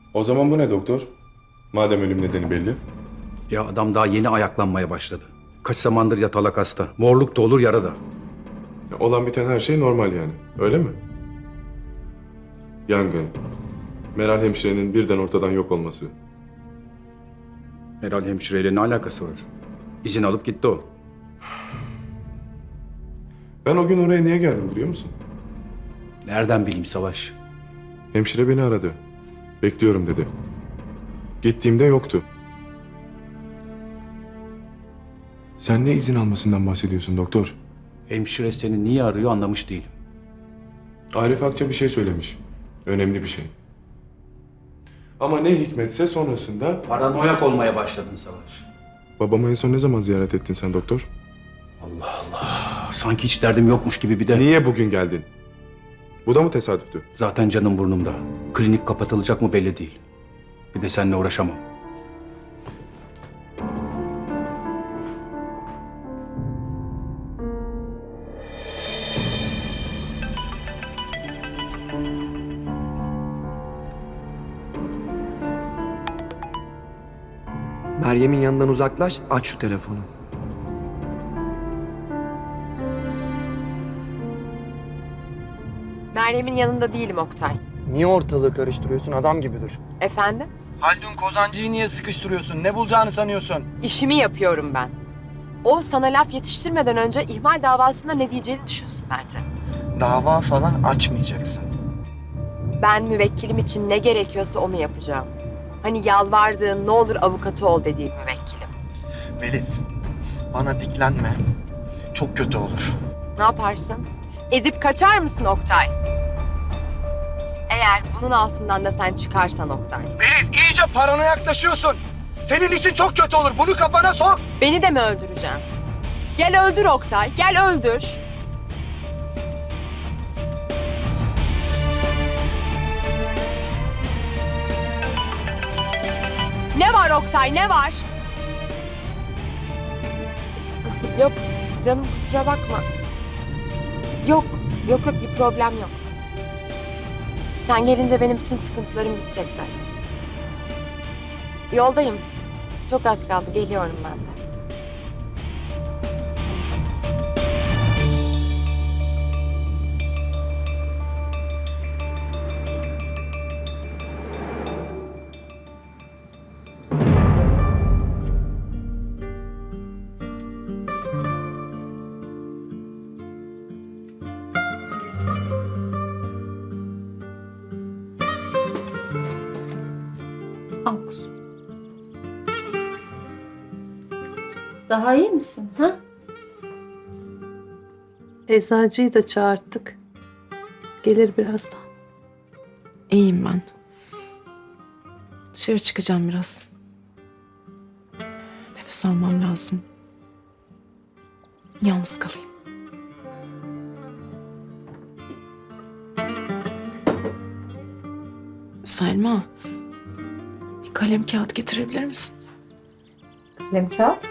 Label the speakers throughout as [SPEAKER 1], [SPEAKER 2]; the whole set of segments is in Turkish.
[SPEAKER 1] O zaman bu ne doktor? Madem ölüm nedeni belli.
[SPEAKER 2] Ya adam daha yeni ayaklanmaya başladı. Kaç zamandır yatalak hasta. Morluk da olur, yara da.
[SPEAKER 1] Olan biten her şey normal yani. Öyle mi? Yangın. Meral hemşirenin birden ortadan yok olması.
[SPEAKER 2] Meral hemşireyle ne alakası var? İzin alıp gitti o.
[SPEAKER 1] Ben o gün oraya niye geldim biliyor musun?
[SPEAKER 2] Nereden bileyim Savaş?
[SPEAKER 1] Hemşire beni aradı. Bekliyorum dedi. Gittiğimde yoktu. Sen ne izin almasından bahsediyorsun doktor?
[SPEAKER 2] Hemşire seni niye arıyor anlamış değilim.
[SPEAKER 1] Arif Akça bir şey söylemiş. Önemli bir şey. Ama ne hikmetse sonrasında...
[SPEAKER 2] Paranoyak olmaya başladın Savaş.
[SPEAKER 1] Babamı en son ne zaman ziyaret ettin sen doktor?
[SPEAKER 2] Allah Allah. Sanki hiç derdim yokmuş gibi bir de.
[SPEAKER 1] Niye bugün geldin? Bu da mı tesadüftü?
[SPEAKER 2] Zaten canım burnumda. Klinik kapatılacak mı belli değil. Bir de seninle uğraşamam.
[SPEAKER 3] Meryem'in yanından uzaklaş, aç şu telefonu.
[SPEAKER 4] Meryem'in yanında değilim Oktay.
[SPEAKER 3] Niye ortalığı karıştırıyorsun? Adam gibi dur.
[SPEAKER 4] Efendim?
[SPEAKER 3] Haldun Kozancı'yı niye sıkıştırıyorsun? Ne bulacağını sanıyorsun?
[SPEAKER 4] İşimi yapıyorum ben. O sana laf yetiştirmeden önce ihmal davasında ne diyeceğini düşünsün bence.
[SPEAKER 3] Dava falan açmayacaksın.
[SPEAKER 4] Ben müvekkilim için ne gerekiyorsa onu yapacağım. Hani yalvardığın ne olur avukatı ol dediğin müvekkilim.
[SPEAKER 3] Melis, bana diklenme. Çok kötü olur.
[SPEAKER 4] Ne yaparsın? Ezip kaçar mısın Oktay? Eğer bunun altından da sen çıkarsan Oktay.
[SPEAKER 3] Melis, iyice paranoyaklaşıyorsun. Senin için çok kötü olur. Bunu kafana sok.
[SPEAKER 4] Beni de mi öldüreceksin? Gel öldür Oktay, gel öldür. Ne var Oktay, ne var? Yok canım kusura bakma. Yok bir problem yok. Sen gelince benim bütün sıkıntılarım bitecek zaten. Yoldayım. Çok az kaldı, geliyorum ben de.
[SPEAKER 5] Al kuzum. Daha iyi misin? Ha?
[SPEAKER 6] Eczacıyı da çağırttık. Gelir birazdan.
[SPEAKER 7] İyiyim ben. Dışarı çıkacağım biraz. Nefes almam lazım. Yalnız kalayım. Selma, bir kalem kağıt getirebilir misin?
[SPEAKER 5] Kalem kağıt.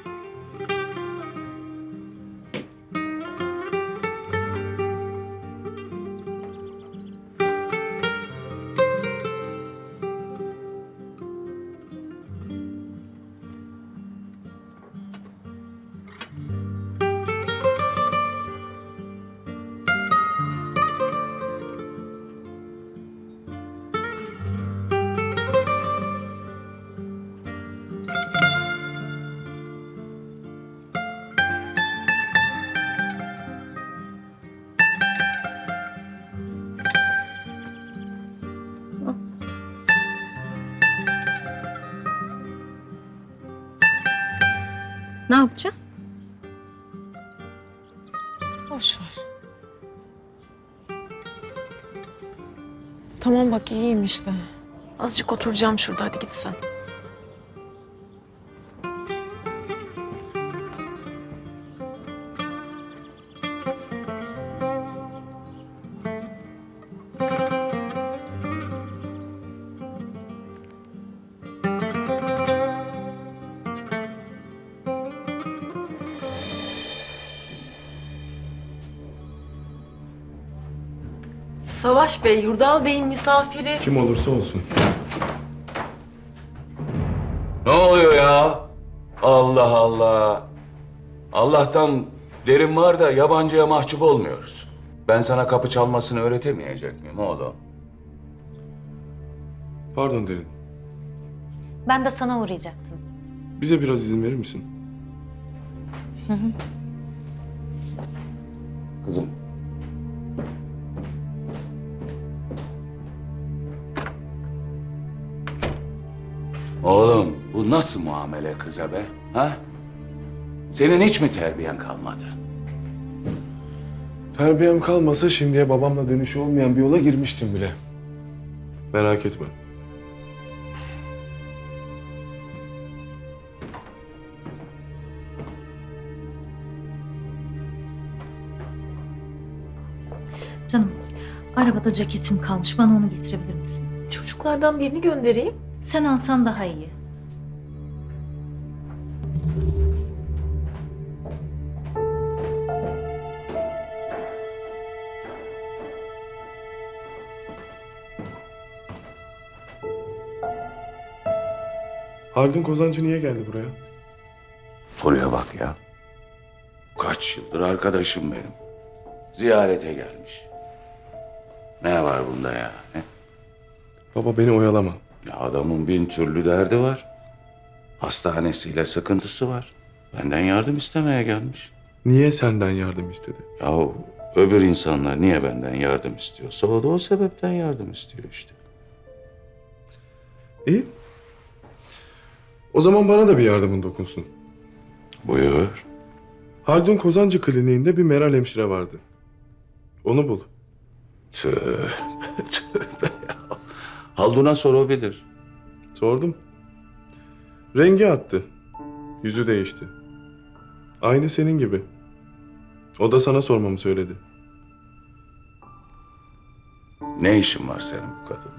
[SPEAKER 5] Ne yapacağım?
[SPEAKER 7] Boş ver. Tamam bak iyiyim işte. Azıcık oturacağım şurada, hadi git sen.
[SPEAKER 8] Savaş Bey, Yurdal Bey'in misafiri.
[SPEAKER 1] Kim olursa olsun.
[SPEAKER 8] Ne oluyor ya? Allah Allah. Allah'tan derin var da yabancıya mahcup olmuyoruz. Ben sana kapı çalmasını öğretemeyecek miyim oğlum?
[SPEAKER 1] Pardon Derin.
[SPEAKER 9] Ben de sana uğrayacaktım.
[SPEAKER 1] Bize biraz izin verir misin?
[SPEAKER 8] Kızım. Oğlum bu nasıl muamele kıza be? Ha? Senin hiç mi terbiyen kalmadı?
[SPEAKER 1] Terbiyem kalmasa şimdiye babamla dönüşü olmayan bir yola girmiştim bile. Merak etme.
[SPEAKER 9] Canım, arabada ceketim kalmış. Bana onu getirebilir misin?
[SPEAKER 5] Çocuklardan birini göndereyim.
[SPEAKER 9] Sen alsan daha iyi.
[SPEAKER 1] Haldun Kozancı niye geldi buraya?
[SPEAKER 8] Soruya bak ya. Kaç yıldır arkadaşım benim. Ziyarete gelmiş. Ne var bunda ya? He?
[SPEAKER 1] Baba beni oyalama.
[SPEAKER 8] Ya adamın bin türlü derdi var. Hastanesiyle sıkıntısı var. Benden yardım istemeye gelmiş.
[SPEAKER 1] Niye senden yardım istedi?
[SPEAKER 8] Ya öbür insanlar niye benden yardım istiyorsa o da o sebepten yardım istiyor işte.
[SPEAKER 1] İyi. O zaman bana da bir yardımın dokunsun.
[SPEAKER 8] Buyur.
[SPEAKER 1] Haldun Kozancı kliniğinde bir Meral hemşire vardı. Onu bul.
[SPEAKER 8] Tövbe tövbe ya. Haldun'a sorabilir.
[SPEAKER 1] Sordum. Rengi attı. Yüzü değişti. Aynı senin gibi. O da sana sormamı söyledi.
[SPEAKER 8] Ne işin var senin bu kadınla?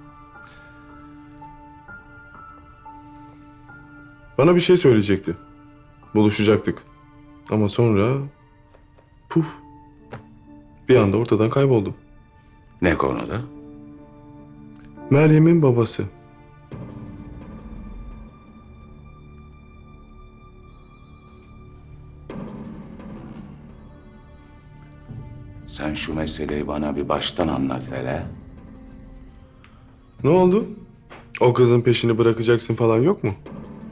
[SPEAKER 1] Bana bir şey söyleyecekti. Buluşacaktık. Ama sonra... Puf. Bir anda ortadan kayboldu.
[SPEAKER 8] Ne konuda?
[SPEAKER 1] Meryem'in babası.
[SPEAKER 8] Sen şu meseleyi bana bir baştan anlat hele.
[SPEAKER 1] Ne oldu? O kızın peşini bırakacaksın falan yok mu?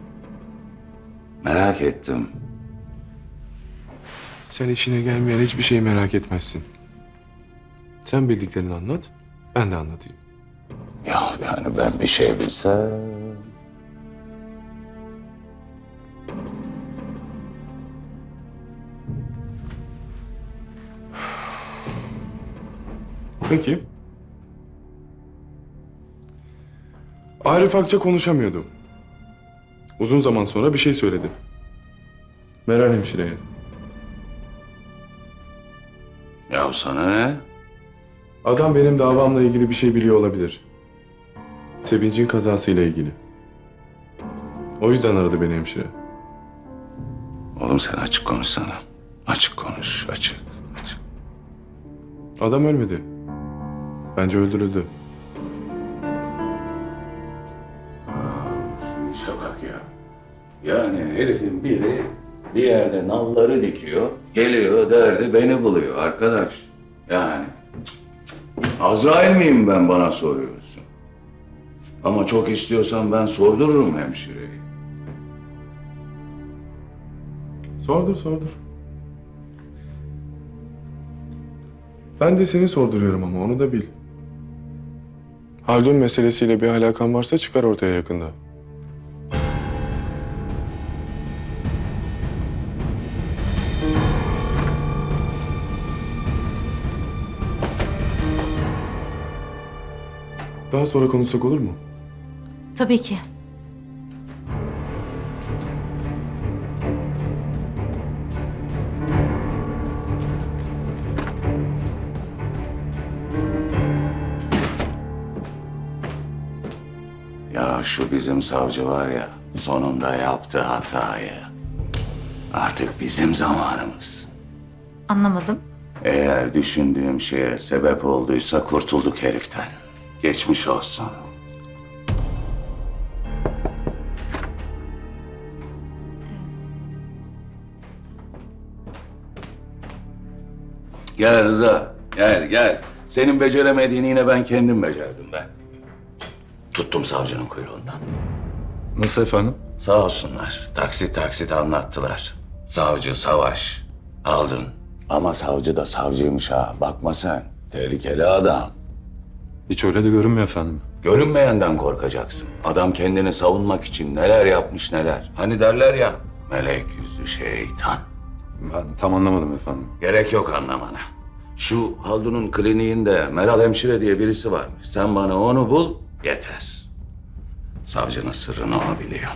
[SPEAKER 8] Merak ettim.
[SPEAKER 1] Sen işine gelmeyen hiçbir şeyi merak etmezsin. Sen bildiklerini anlat, ben de anlatayım.
[SPEAKER 8] Ya yani ben bir şey bilsem...
[SPEAKER 1] Peki. Arif Akça konuşamıyordu. Uzun zaman sonra bir şey söyledi. Meral hemşireye.
[SPEAKER 8] Ya sana ne?
[SPEAKER 1] Adam benim davamla ilgili bir şey biliyor olabilir. Sevinç'in kazasıyla ilgili. O yüzden aradı beni hemşire.
[SPEAKER 8] Oğlum sen açık konuşsana. Açık konuş, açık.
[SPEAKER 1] Adam ölmedi. Bence öldürüldü.
[SPEAKER 8] Şu işe bak ya. Yani herifin biri bir yerde nalları dikiyor, geliyor derdi beni buluyor arkadaş. Yani Azrail miyim ben bana soruyorsun? Ama çok istiyorsan ben sordururum hemşireyi.
[SPEAKER 1] Sordur. Ben de seni sorduruyorum ama onu da bil. Haldun meselesiyle bir alakan varsa çıkar ortaya yakında. Daha sonra konuşsak olur mu?
[SPEAKER 9] Tabii ki.
[SPEAKER 8] Ya şu bizim savcı var ya, sonunda yaptı hatayı. Artık bizim zamanımız.
[SPEAKER 9] Anlamadım.
[SPEAKER 8] Eğer düşündüğüm şeye sebep olduysa kurtulduk heriften. Geçmiş olsun. Gel Rıza, gel. Senin beceremediğini yine ben kendim becerdim be. Tuttum savcının kuyruğundan.
[SPEAKER 1] Nasıl efendim?
[SPEAKER 8] Sağ olsunlar. Taksit anlattılar. Savcı Savaş. Aldın. Ama savcı da savcıymış ha. Bakma sen. Tehlikeli adam.
[SPEAKER 1] Hiç öyle de görünmüyor efendim.
[SPEAKER 8] Görünmeyenden korkacaksın. Adam kendini savunmak için neler yapmış neler. Hani derler ya, melek yüzlü şeytan.
[SPEAKER 1] Ben tam anlamadım efendim.
[SPEAKER 8] Gerek yok anlamana. Şu Haldun'un kliniğinde Meral Hemşire diye birisi varmış. Sen bana onu bul, yeter. Savcının sırrını o biliyor.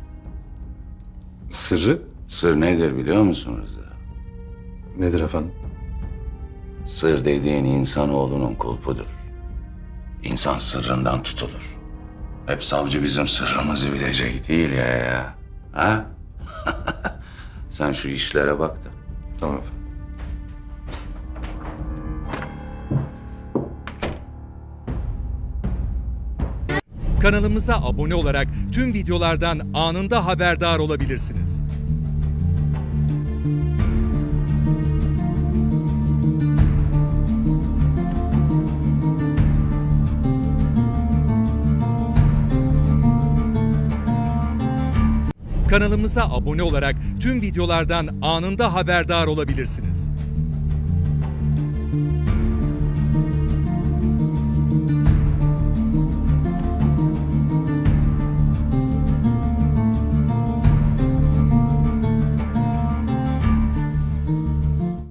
[SPEAKER 1] Sırrı
[SPEAKER 8] Sır nedir biliyor musun Rıza?
[SPEAKER 1] nedir efendim?
[SPEAKER 8] Sır dediğin insanoğlunun kulpudur. İnsan sırrından tutulur. Hep savcı bizim sırrımızı bilecek değil ya. Ha? Sen şu işlere bak da.
[SPEAKER 1] Tamam efendim.
[SPEAKER 10] Kanalımıza abone olarak tüm videolardan anında haberdar olabilirsiniz. Kanalımıza abone olarak tüm videolardan anında haberdar olabilirsiniz.